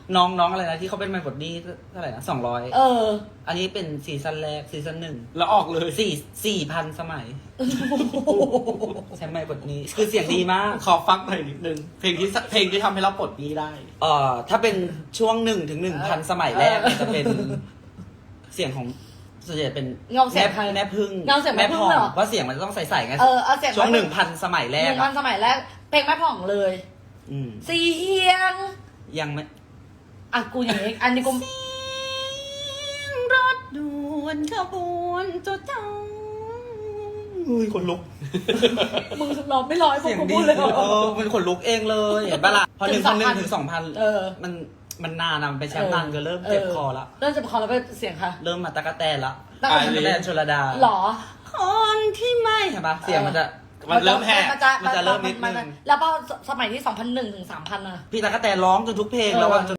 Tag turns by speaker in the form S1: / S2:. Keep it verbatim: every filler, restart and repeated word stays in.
S1: น้องน้องอะไรนะที่เขาเป็นไมค์บดดี้เท่าไหร่นะสองร้อย
S2: เออ
S1: อันนี้เป็นซีซั่นแรกซีซั่นหนึ่ง
S3: แล้วออกเลย
S1: สี่สี่พันสมัยใช่ไมค์บดนี้คือเสียงดีมาก
S3: ขอฟังหน่อยนิดนึงเพลงที่เพลงที่ทำให้เราปลดหนี้ได้
S1: เอ่อถ้าเป็นช่วงหนึ่งถึงหนึ่งพันสมัยแรกเนี่ยจะเป็นเสียงของส่วนใหญ่เป็น
S2: เงาเสียง
S1: แม่
S2: ใคร
S1: แม่พึ่ง
S2: เงาเสียงแม่พึ่ง
S1: ผ่อง
S2: เหรอ
S1: เพราะเสียงมันจะต้องใสๆไง
S2: เออเอาเสียง
S1: ช่วงหนึ่งพันสมัยแร
S2: ห
S1: ก
S2: นึ่งพั
S1: อะ
S2: นสมัยแรกเพลงแม่ผ่องเลย
S1: อืม
S2: เสียง
S1: ยังไม่
S2: อ่ะกูอย่างนี้อันนี้กู
S1: รถด่วนขบวนจดจังอุ้ยคนลุก
S2: มึงร้องไม่ร้อยพว
S1: เสี
S2: ก
S1: ยง
S2: กู
S1: ดี
S2: พูดเลยเหร
S1: เอ
S2: อ
S1: อมันขนลุกเองเลยเห็นปะล่ะพอหนึ่งพันหนึ่งถึงสองพัน
S2: เออ
S1: มันมันนานอะมันไปแชมป์นานก็เริ่มเจ็บคอละ
S2: เริ่มเจ็บคอแล้วเป็นเสียงค่ะ
S1: เริ่มมาตะกะแตนละ
S2: ตะ
S1: ตะ
S2: กะ
S1: กะ
S2: แตน
S1: แตนชลดา
S2: หรอ
S1: คนที่ไม่เห็นปะเสียงมันจะ
S3: มันเริ่มแหก
S2: มันจะ
S1: มันจะเริ่มนิดนึง
S2: แล้วพอสมัยที่สองพันหนึ่งถึงสามพันอะ
S1: พี่ตะกะแตนร้องจนทุกเพลงแล้วอะ
S2: เออ
S1: จน